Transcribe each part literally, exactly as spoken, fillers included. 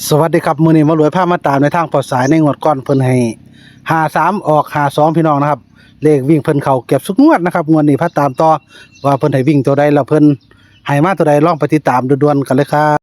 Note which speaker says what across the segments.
Speaker 1: สวัสดีครับมื้อนี้มารวยพามาตามในทางปลอดสายในงวดก่อนเพิ่นให้ห้าสามออกห้าสองพี่น้องนะครับเลขวิ่งเพิ่นเข้าเก็บทุกงวดนะครับงวดนี้พาตามต่อว่าเพิ่นให้วิ่งตัวใดแล้วเพิ่นให้มาตัวใดลองไปติดตามด่วนๆกันเลยครับ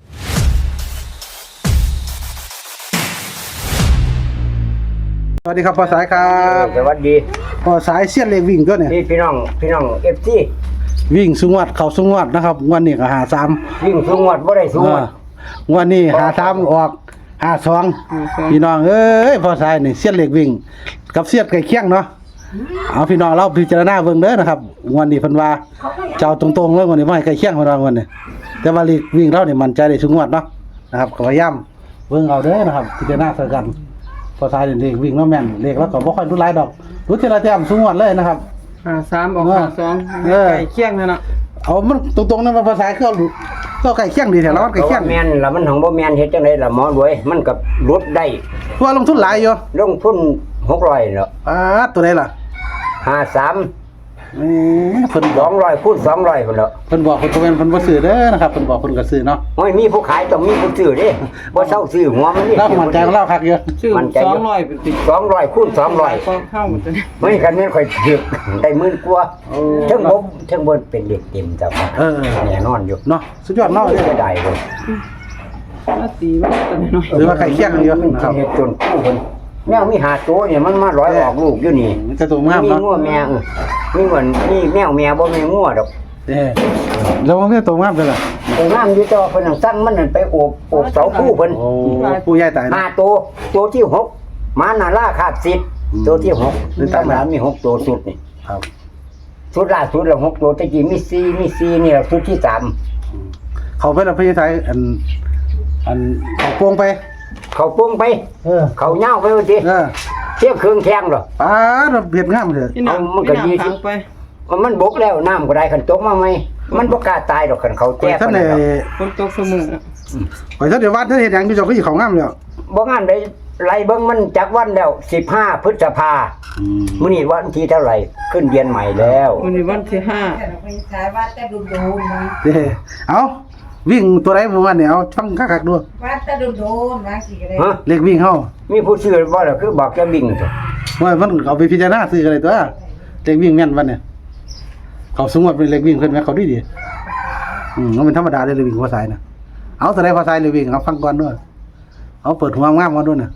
Speaker 1: สวัสดีครับปลอดสายครับ
Speaker 2: สวัสดี
Speaker 1: ปลอดสายเสี้ยนเลขวิ่งตัวเนี่ย
Speaker 2: พี่พี่น้องพี่น้อง เอฟ ซี
Speaker 1: วิ่งสุงวดเข้าสุงวดนะครับงวดนี้ก็ห้าสาม
Speaker 2: วิ่งสูงวัดบ่ได้สูงวัด
Speaker 1: งวดนี้ห้าสามออกห้าสองพี่น้องเอ้ยปลอดสายนี่เสี้ยนเลขวิ่งกับเสี้ยนใกล้เคียงเนาะเอาพี่น้องเราพิจารณาเบิ่งเด้อนะครับงวดนี้เพิ่นว่าเจ้าตรงๆเลยงวดนี้บ่ให้ใกล้เคียงเพิ่นว่างวดนี้แต่ว่าเลขวิ่งเรานี่มั่นใจได้ทุกงวดเนาะนะครับก็พยายามเบิ่งเอาเด้อนะครับพิจารณาใส่กันพอสายเลขวิ่งเนาะแม่นเลขแล้วก็บ่ค่อยรู้หลายดอกรู้ทีละแต้มทุกงวดเลยนะครับ
Speaker 3: ห้าสามออกห้าสองใกล้เคียงนั่นน่ะ
Speaker 1: เอามันตรงๆนั้นมันภาษาคือก็ใกล้เคียงดีแท้แล้วมันใกล้เคียง
Speaker 2: แม่นล่ะมันของบ่แม่นเฮ็ดจังได๋ล่ะหมอรวยมันก็ลดได้
Speaker 1: เพราะว่าลงทุนหลายอยู่
Speaker 2: ลงทุนหกร้อยเนาะ
Speaker 1: อ่าตัวใดล่ะ
Speaker 2: ห้าสาม
Speaker 1: อืมเพิ่น
Speaker 2: สองร้อยคูณสองร้อยพุ่นแล้ว
Speaker 1: เพิ่นบอกเพิ่นบ่แม่นเพิ่นบ่ซื้อเด้อนะครับเพิ่นบอกเพิ่นก็ซื้อเนาะ
Speaker 2: โอ้ยมีผู้ขายต้องมีผู้ซื้อเด้บ่เซาซื้อหัวมันนี่
Speaker 1: เรามั่นใจของเราคักอยู่
Speaker 3: ชื่อสองร้อยเป็นติด
Speaker 2: สองร้อยคูณสองร้อย
Speaker 3: ก็เข้าหมดเลย
Speaker 2: เฮ้ยคันนี้ค่อยถึกได้หมื่นกว่าเทั้งบ่เทั้งบ่เป็นเด็กเต็มจ้ะ
Speaker 1: เออ
Speaker 2: แน่นอนอยู่
Speaker 1: เนาะสุดยอดเนาะ
Speaker 2: จะได้เลย
Speaker 3: มาตีว่าตัวน้อย
Speaker 1: หรือว่าใกล้เคียงอยู่นะครับ
Speaker 2: เฮ็ดจนกู้เพิ่นแมวมีหาตัวเนี่ยมันมาร้อยออกลูกอยู่นี่
Speaker 1: มันจะตัวงาม
Speaker 2: มี
Speaker 1: เนาะ
Speaker 2: งัวแม่เออมีเหมือนมีแมวแม่บ่มีงัวดอก
Speaker 1: เด้แล้วมันตัวงามเด้อล่ะ
Speaker 2: แต่งามอยู่แต่ว่าเพิ่นนั่งสั่งมันนั่นไปโอบโอบเสาคู่เพิ่น
Speaker 1: โอ้ผู้ใหญ่ตาย
Speaker 2: ห้าตัวตัวที่หกมานาล่าขาดสิบตัวที่หกธรรมดามีหกตัวสุดนี่
Speaker 1: ครับ
Speaker 2: สุดล่าสุดแล้วหกตัวตะกี้มีสี่มีสี่นี่แหละสุดที่สาม
Speaker 1: เขาไปแล้วพี่ไทยอันอันเขาโป่งไป
Speaker 2: เขาโป้งไป
Speaker 1: เออ
Speaker 2: เขาเหย้าไปว่าสิ
Speaker 1: เออ
Speaker 2: เทียบเครื่องแข็งเหรอ
Speaker 1: ป้าดเบียดงามเด้อ
Speaker 3: พี่น้องพี่น้องไป
Speaker 2: มันบกแล้วน้ำก็ได้คันตกมาไหมมันบ่กล้าตายดอกคันเขา
Speaker 1: ข่อ
Speaker 2: แจ้
Speaker 1: ย
Speaker 2: ง
Speaker 1: ท่าน
Speaker 2: ไป
Speaker 1: ได้
Speaker 2: แล้ว
Speaker 3: คนตกเสมอ
Speaker 1: ข่อยท่านได้วาดท่านเฮ็ดหยังอยู่เจ้าก็สิเขางามแล้ว
Speaker 2: บ่งานได้ไล่เบิ่งมันจักวันแล้วสิบห้าพฤษภา
Speaker 1: อืม
Speaker 2: มื้อนี้วันที่เท่าไหร่ขึ้นเดือนใหม่แล้ว
Speaker 3: วันนี้วันที่ห้า
Speaker 4: ว่าแต่ดุโดนๆนะ
Speaker 1: เด้เอาวิ่งตัวใดบ่ว่าเนี่ยเอาฟังคักๆดู
Speaker 4: ว่าแต่ดุโดนๆว่าสิก็ได้
Speaker 2: ฮะ
Speaker 1: เลขวิ่งเฮา
Speaker 2: มีผู้ซื้อบ่ล่ะคือบอกจะบิ่งตัว
Speaker 1: ว่ามันเอาไปพิจารณาซื้อกันเลยตัวเลขวิ่งแม่นวันเนี่ยเขาสมมุติเป็นเลขวิ่งเพิ่นแม่เขาดีดีอืมมันเป็นธรรมดาเลยเลขวิ่งภาษาน่ะเอาตัวใดภาษาเลขวิ่งเอาฟังก่อนด้วยเอาเปิดหัวงามๆมาด้วยน่ะ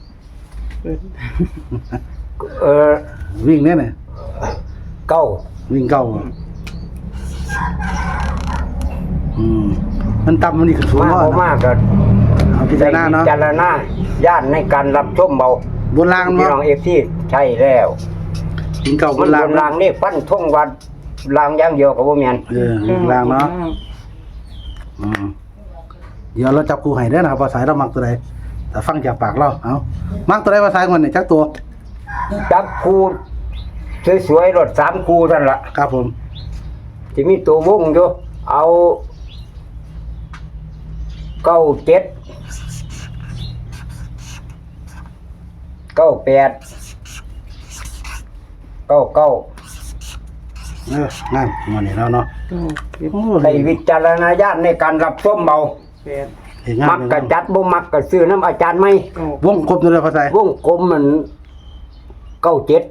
Speaker 2: เออ
Speaker 1: วิ่งเนี่ยน่ะ
Speaker 2: เก้า
Speaker 1: วิ่งเก่าอืมมันต่ำมันนี่ก็สูง
Speaker 2: มา
Speaker 1: เนาะ
Speaker 2: บ่มากก็
Speaker 1: เอาพิจารณาเนาะ
Speaker 2: พิจารณาญาติในการรับชมเบา
Speaker 1: บนราง
Speaker 2: พี่
Speaker 1: เนาะ
Speaker 2: น้อง เอฟ ซี ใช่แล้ว
Speaker 1: วิ่งเก่าบ
Speaker 2: มัน
Speaker 1: น
Speaker 2: บ
Speaker 1: ราง
Speaker 2: นรางนี่ฟันทงวัดรางอย่างเดียวก็บ่แม่น
Speaker 1: เออวิ่งรางเนาะอืมเดี๋ยวเราจับคู่ให้เด้อนะครับภาษาเรามักตัวใดแต่ฟังจากปากเราเอามักตัวใดภาษาคนนี่จักตัว
Speaker 2: จับคูสวยๆรถสามคูนั่นล่ะ
Speaker 1: ครับผม
Speaker 2: ที่มีตัววงอยู่เอาเก้าเจ็ดเก้าแปดเก้าเก้า
Speaker 1: เอองานวันนี้แล้วเนาะโอ้
Speaker 2: ใช้วิจารณญาณในการรับชมเบา
Speaker 3: แปด
Speaker 1: เห็นงาน
Speaker 2: มักกะจัดบ่มักกะซื้อน้ำอาจารย์ไหม
Speaker 1: วงกลมตัวใดภาษาว
Speaker 2: งกลมมันเก้าเจ็ด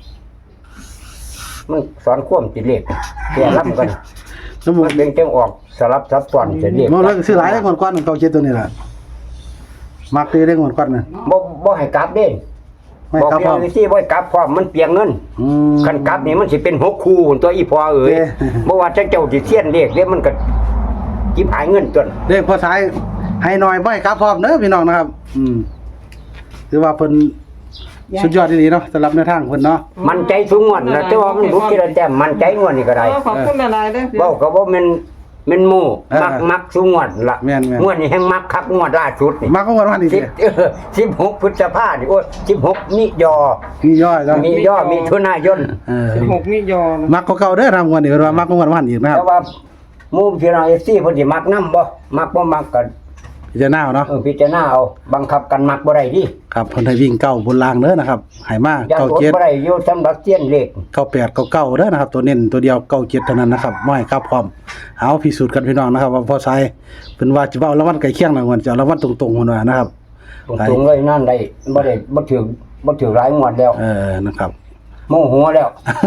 Speaker 2: มันสอนความจิตเลขแก่รับกัน
Speaker 1: สมมุ
Speaker 2: มั
Speaker 1: ติ
Speaker 2: นเป็นจังออกสลับซับซ้อนจิตเลข
Speaker 1: มองแล้วซื้อหลายได้ก่อนก่อนเก่าเจ็ดตัวนี้ล่ะมักตีได้ก่อนก่อนน่ะ
Speaker 2: บ่บ่ให้กลับเด้
Speaker 1: ไม่
Speaker 2: บอก
Speaker 1: ครับ
Speaker 2: พี่
Speaker 1: พ่อ
Speaker 2: น้องที่บ่ให้กลับพร้อมมันเปลียงเงิน
Speaker 1: อืม
Speaker 2: คันกลับนี่มันสิเป็นหกคู่หุ่นตัวอีพอเอ๋ย
Speaker 1: เด้
Speaker 2: บ่ว่าจังเจ้าสิเสียนเลขเด้มันก็จิบหายเงินจน
Speaker 1: เลขภาษาให้หน่อยบ่ให้ครับพร้อมเด้อพี่น้องนะครับ อืมถือว่าเพิ่นสุดยอดดีเนาะสำหรับแนวทางเพิ่นเนาะ
Speaker 2: มันใจสูงงวดนะแต่ว่ามันบุกทีละแต้มมันใจงวดนี่ก็ได้
Speaker 3: ขอบคุณหลายๆเด้อ
Speaker 2: เว้าก็บ่แม่นแม่นหมู่มักมักสูงงวดล่ะ
Speaker 1: แม่นๆ
Speaker 2: งวดนี้แฮงมักคักงวดล่าสุดนี่
Speaker 1: มักของวันวันนี้
Speaker 2: สิ
Speaker 1: ดิ
Speaker 2: บเออสิบหกพฤษภาคมนี่โอ้ยสิบหกมิยอ
Speaker 1: มีย่อยแล้ว
Speaker 2: มีย่อมีทุนายน
Speaker 1: เออ
Speaker 3: สิบหกมิยอ
Speaker 1: มักเก่าๆเด้อทำวันนี้เพิ่นว่ามักของวันวันอีกนะครับ
Speaker 2: แต่ว่าหมู่พี่น้อง เอฟ ซี เพิ่นสิมักนำบ่มักบ่มักก็
Speaker 1: พิจารณาเอาเนาะ
Speaker 2: เออพิจารณาเอาบังคับกันมักบ่ได้ดิ
Speaker 1: ครับเพิ่นให้วิ่งเก้าบนรางเด้อนะครับให้มา
Speaker 2: ยัน
Speaker 1: เก้า
Speaker 2: อด
Speaker 1: เจ็ด
Speaker 2: บ่ได้อยู่สำหรับเสี้ยนเลข
Speaker 1: เก้าแปดเก้าเก้าเด้อนะครับ ตัวเน้นตัวเดียวเก้าเจ็ดเท่านั้นนะครับบ่ให้ครับพร้อมเอาพิสูจน์กันพี่น้องนะครับ ว่าพอใช้เพิ่นว่าจะเอารางวัลใกล้เคียงรางวัลจะเอารางวัลตรงๆพุ่นว่านะครับ
Speaker 2: ตรงๆเลยนั่นได้บ่ได้บ่ถือบ่ถือหลายงวดแล้ว
Speaker 1: เออนะครับ
Speaker 2: โมโหแล้ว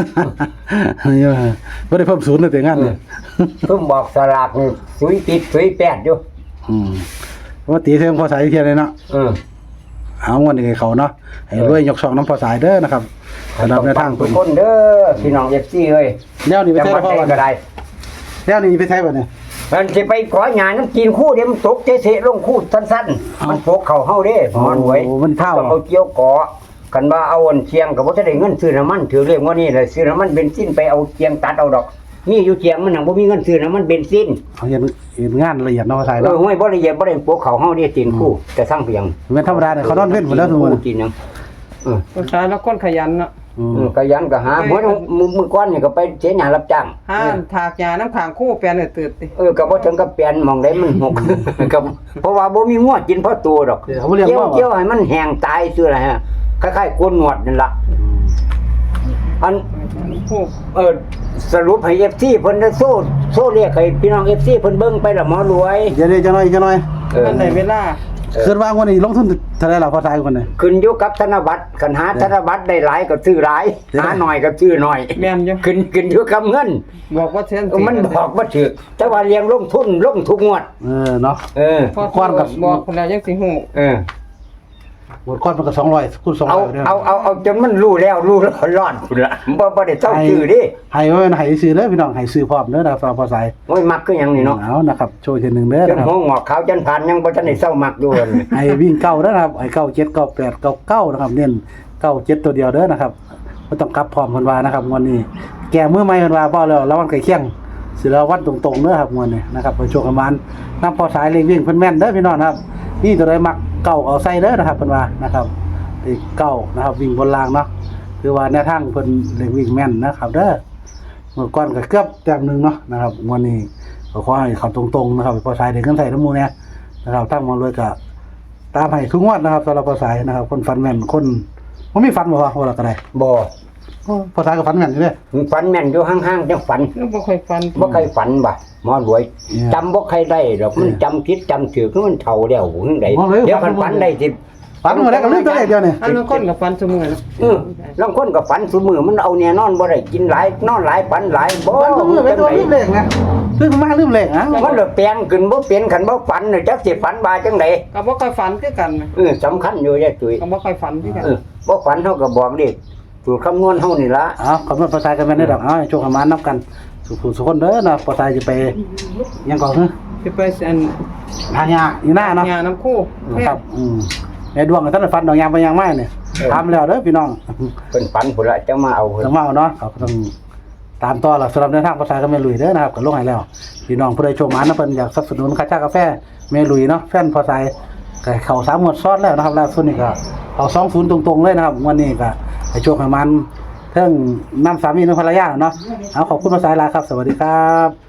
Speaker 1: บ่ได้เพิ่มศูนย์เลยแต่งานเนี่ย
Speaker 2: เพิ่งบอกสลากนี่สุยติดสุยแปดอยู่
Speaker 1: อืมว่าตีเสียงพอสายเทียนเลยเนาะ
Speaker 2: เออ
Speaker 1: เอาวันนี้ให้เขาเนาะให้รวยยกช่องน้ำพอสายเด้อนะครับสำหรับในทาง
Speaker 2: ทุ
Speaker 1: เพิ่
Speaker 2: ก
Speaker 1: น
Speaker 2: คนเด้อพี่น้อง เอฟ ซี เอ้ย
Speaker 1: แนวนี้ไป
Speaker 2: จัง
Speaker 1: ใช้
Speaker 2: หวัด
Speaker 1: พ่อ
Speaker 2: ใด
Speaker 1: วัน
Speaker 2: ก็ได้
Speaker 1: แนวนี้ไปใช้บ่เนี่ย
Speaker 2: มันสิไปขอหยาน้ำกินคู่เดี๋ยวมันตกเฉะๆลงคู่สั้นๆมันโผกเข้าเฮาเด้หมอนหวย
Speaker 1: โอ้มันเท่า
Speaker 2: ต้องเอาเกี่ยวเกาะกันว่าเอาอันเชียงก็บ่ทันได้เงินซื้อน้ำมันถือเรียกว่านี่เลยซื้อน้ำมันเบนซินไปเอาเชียงตัดเอาดอกมีอยู่เชียงมันหนังบ่มีเงินซื้อน้ำมันเบนซิน
Speaker 1: เอาเห็นเห็นงานละเอียดเนาะพอสาย
Speaker 2: เอ
Speaker 1: เนาะ
Speaker 2: อห้วยบ่ละเอียดบ่ได้โผกเข้าเฮาเด้ตีนคู่แต่สร้างเพียง
Speaker 1: เหมือนธรรมดาเนี่ยเขานอนเว้นหมดแล้วทุกคน
Speaker 2: ตีนหยังเออ
Speaker 3: ผู้ชายแล้วคนขยันเนาะ
Speaker 1: อืม
Speaker 2: เออก็ยันก็หาเหมือนมือมือก้อนนี่ก็ไปเสียหยังรับจ้าง
Speaker 3: ห้ามถากยาน้ำขางคู่แปลนให้ตื่นติ
Speaker 2: เออก็บ่ถึงกับเปลี่ยนหมองได้มันหก ก็เพราะว่าบ่มีงวดกินเพราะตัวดอก
Speaker 1: เดี๋ยวเขาบ่เรียก
Speaker 2: เกี่ยว
Speaker 1: ว่า
Speaker 2: เกี่ยวให้มันแห้งตายซื่ออะไรฮะคล้ายๆโกนหนวดนั่นล่ะอัน
Speaker 3: คู่
Speaker 2: เออสรุปให้ เอฟ ซี เพิ่นได้โซ่โซ่เรียกให้พี่น้อง เอฟ ซี เพิ่นเบิ่งไปละหมอรวย
Speaker 1: เดี๋ยวนี้จะน้อยจะน้อย
Speaker 2: เออ
Speaker 3: มันได้เวลา
Speaker 1: คิดว่าวันนี้ลงทุนเท่าไหร่ล่ะพอสายคนเนี่ย
Speaker 2: ขึ้นอยู่กับธนบัตรคันหาธนบัตรได้หลายก็ซื้อหลาย
Speaker 1: เดี๋ยว
Speaker 2: หาน้อยก็ซื้อน้อย
Speaker 3: แม่นอยู่
Speaker 2: ขึ้นขึ้นอยู่กับเงิน
Speaker 3: บอกว่าเช่น
Speaker 2: มันบอกว่าถูกแต่ว่าเลี้ยงลงทุนลงทุกงวด
Speaker 1: เออเนาะ
Speaker 2: เออ
Speaker 3: พอ
Speaker 1: ก้อนกับ
Speaker 3: บอกคนแล้วยังสิฮู้
Speaker 2: เออ
Speaker 1: หมดก้อนมันก็สองร้อยคูณสอง
Speaker 2: เอา
Speaker 1: ร้อยเนี่ย
Speaker 2: เอาเอาเอาจนมันรู้แล้วรู้รอดรอดพุ่นละบ่บ่ได้เจ้าชื่อดิ
Speaker 1: ให้ไว้ให้ซื้อเด้อพี่น้องให้ซื้อพร้อมเด้อนะครับพอสาย
Speaker 2: โอ้ยมักคือหยังนี่เนาะ
Speaker 1: เอานะครับโชว์อีกทีหนึงเด้อ
Speaker 2: จ
Speaker 1: นะ
Speaker 2: น
Speaker 1: ครับ
Speaker 2: หัวงอกขาวจนผ่านยังบ่ทันได้เศร้ามักอยู่เลย
Speaker 1: ให้วิ่งเก้าเด้อนะครับให้เก้าเจ็ดเก้าแปดเก้าเก้านะครับเน้นเก้าเจ็ดตัวเดียวเด้อนะครับบ่ต้องกลับพร้อมเพิ่นว่านะครับวันนี้ แก่มือใหม่เพิ่นว่าบ่แล้วแล้ววันใกล้เคียงสิแล้ววันตรงๆเด้อครับวันนี้นะครับไปโชว์ประมาณนำพอสายเลขวิ่งเพิ่นแม่นเด้อพี่น้องนะครับนี่ตัวใดมักเก้าเอาใส่เด้อนะครับเพิ่นว่านะครับเลขเก้านะครับวิ่งบนรางเนาะคือว่าแนวทางเพิ่นเลขวิ่งแม่นนะครับเด้อเมื่อก่อนก็เกือบแต้มหนึงเนาะนะครับวันนี้ก็ขอให้เขาตรงๆนะครับพอสายได้เงินใส่น้ำมูเนี่ยนะครับตั้งมาเลยก็ตามให้ทุกงวดนะครับสำหรับพอสายนะครับคนฟันแม่นคนบ่มีฟันบ่ว่าว่าก็ได้
Speaker 2: บ่
Speaker 1: พอสายก็ฟันแม่นอยู่เด้
Speaker 2: ฝันแม่นอยู่ห่างๆจังฝัน
Speaker 3: แล้วบ่ค่อยฟัน
Speaker 2: บ่เคยฝันบ่หมอรวย
Speaker 1: เนี่ย
Speaker 2: จำบ่เคยได้ดอกมันจำผิดจำถือคือมันเฒ่าแล้วจังได๋
Speaker 1: หมอรวย
Speaker 2: เดี๋ยวมัน
Speaker 1: ฝั
Speaker 2: ฝั
Speaker 1: น
Speaker 2: น
Speaker 1: บ่ได้
Speaker 2: ได้สิ
Speaker 1: ฟันมาแล้วก็ลืมตัวเลขเดียวนี่
Speaker 3: อันนั้นคนกับฟันเสมอเนาะ
Speaker 2: เออลางคนก็ฝันซุมื้อมันเอาแน่นอนบ่ได้กินหลายนอนหลายฝันหลายบ่
Speaker 1: ฟันมือไปตัวลืมเลขนะลืมมาลืมเลขอ่ะ
Speaker 2: มันเลยแปลงขึ้นบ่เป็นคันบ่ฝันน่ะจักสิฝันว่าจังได๋
Speaker 3: ก็บ่ค่อยฝันคือกันนะ
Speaker 2: เออสำคัญอยู่แย่ตุ้ย
Speaker 3: ก็บ่ค่อยฝันคือกัน
Speaker 2: เออบ่ฝันเฮาก็บอกเลขสูตรคำนวณเฮานี่ล่ะ
Speaker 1: เอาคำนวณภาษากันแม่นได้ดอกเอาให้โชคประมาณนับกันสุขสุขคนเด้อนะภาษาจะไปยังก่อนเนอะ
Speaker 3: สิไปอัน
Speaker 1: หายาอยู่หน้าเนาะ
Speaker 3: ยาน้ำคู่
Speaker 1: ครับอืมในดวงกับท่านฟันดอกยางไปยางไม้เนี่ยทำแล้วเด้อพี่น้อง
Speaker 2: เพิ่นฝันพุ่นละจะมาเอาเพิ่น
Speaker 1: จะมาเอาเนาะเขาก็ต้องตามต่อละสำหรับในทางภาษาก็แม่ลุยเด้อนะครับก็ลงให้แล้วพี่น้องผู้ใดโชคหมานะเพิ่นอยากสนับสนุนค่าจ้ากาแฟแม่ลุยเนาะแฟนภาษาก็เข้าสามงวดซ้อนแล้วนะครับล่าสุดนี่ก็เอาสองศูนย์ตรงๆเลยนะครับวันนี้ก็ให้โชคให้มันเทิงนำสามีนำภรรยาเนาะเอาขอบคุณภาษาลาครับสวัสดีครับ